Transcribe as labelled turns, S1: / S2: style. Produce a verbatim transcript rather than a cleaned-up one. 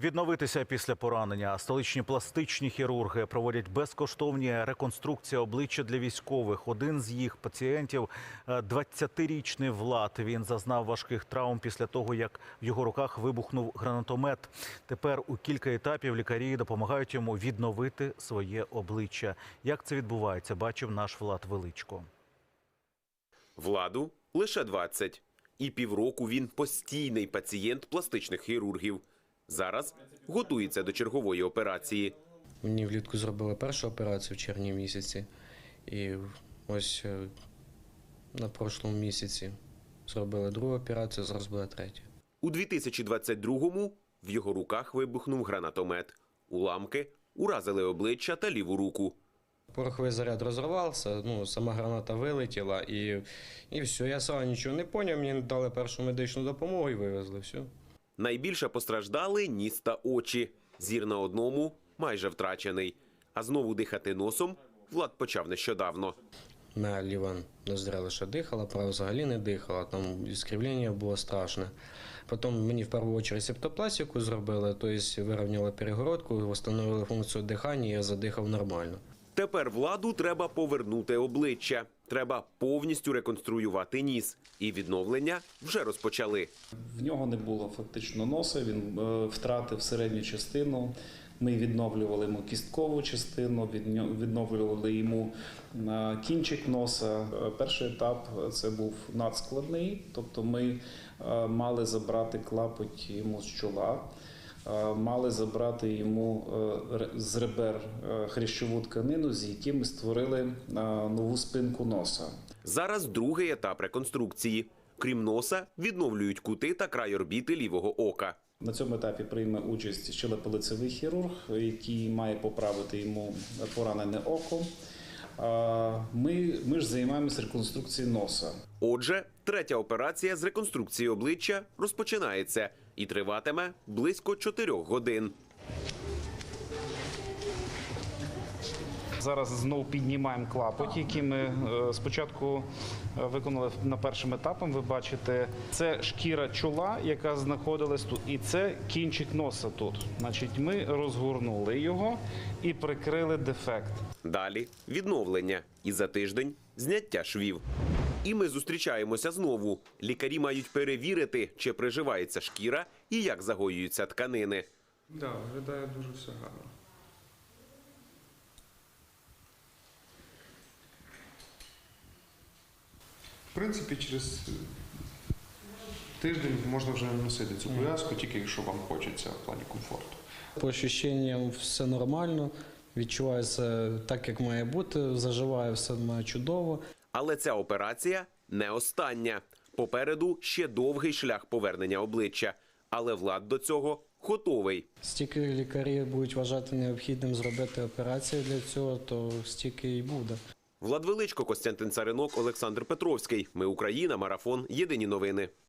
S1: Відновитися після поранення. Столичні пластичні хірурги проводять безкоштовні реконструкції обличчя для військових. Один з їх пацієнтів – двадцятирічний Влад. Він зазнав важких травм після того, як в його руках вибухнув гранатомет. Тепер у кілька етапів лікарі допомагають йому відновити своє обличчя. Як це відбувається, бачив наш Влад Величко.
S2: Владу лише двадцять. І півроку він постійний пацієнт пластичних хірургів. Зараз готується до чергової операції.
S3: Мені влітку зробили першу операцію в червні місяці. І ось на прошлому місяці зробили другу операцію, зараз буде третя.
S2: У дві тисячі двадцять другому в його руках вибухнув гранатомет. Уламки уразили обличчя та ліву руку.
S3: Пороховий заряд розірвався, ну, сама граната вилетіла і, і все. Я сам нічого не зрозумів, мені дали першу медичну допомогу і вивезли, все.
S2: Найбільше постраждали ніс та очі. Зір на одному майже втрачений. А знову дихати носом Влад почав нещодавно.
S3: Моя ліва ноздря лише дихала, права взагалі не дихала, там іскривлення було страшне. Потім мені в першу чергу септопластику зробили, тобто вирівняли перегородку, встановили функцію дихання, і я задихав нормально.
S2: Тепер Владу треба повернути обличчя. Треба повністю реконструювати ніс. І відновлення вже розпочали.
S4: В нього не було фактично носа, він е, втратив середню частину. Ми відновлювали йому кісткову частину, відновлювали йому е, кінчик носа. Е, Перший етап – це був надскладний, тобто ми е, мали забрати клапоть йому з чола. Мали забрати йому з ребер хрящову тканину, з якими ми створили нову спинку носа.
S2: Зараз другий етап реконструкції. Крім носа, відновлюють кути та край орбіти лівого ока.
S4: На цьому етапі прийме участь щелепно-лицевий хірург, який має поправити йому поранене око. Ми, ми ж займаємося реконструкцією носа.
S2: Отже, третя операція з реконструкції обличчя розпочинається і триватиме близько чотирьох годин.
S5: Зараз знову піднімаємо клапоть, який ми спочатку виконали на першим етапом. Ви бачите, це шкіра чола, яка знаходилась тут, і це кінчик носа тут. Значить, ми розгорнули його і прикрили дефект.
S2: Далі відновлення і за тиждень зняття швів. І ми зустрічаємося знову. Лікарі мають перевірити, чи приживається шкіра і як загоюються тканини.
S6: Так, да, виглядає дуже все гарно. В принципі, через тиждень можна вже носити цю пов'язку, тільки якщо вам хочеться в плані комфорту.
S3: По ощущенням все нормально, відчувається так, як має бути, заживає все має чудово.
S2: Але ця операція не остання. Попереду ще довгий шлях повернення обличчя. Але Влад до цього готовий.
S3: Стільки лікарі будуть вважати необхідним зробити операцію для цього, то стільки і буде.
S2: Влад Величко, Костянтин Царинок, Олександр Петровський. Ми Україна. Марафон. Єдині новини.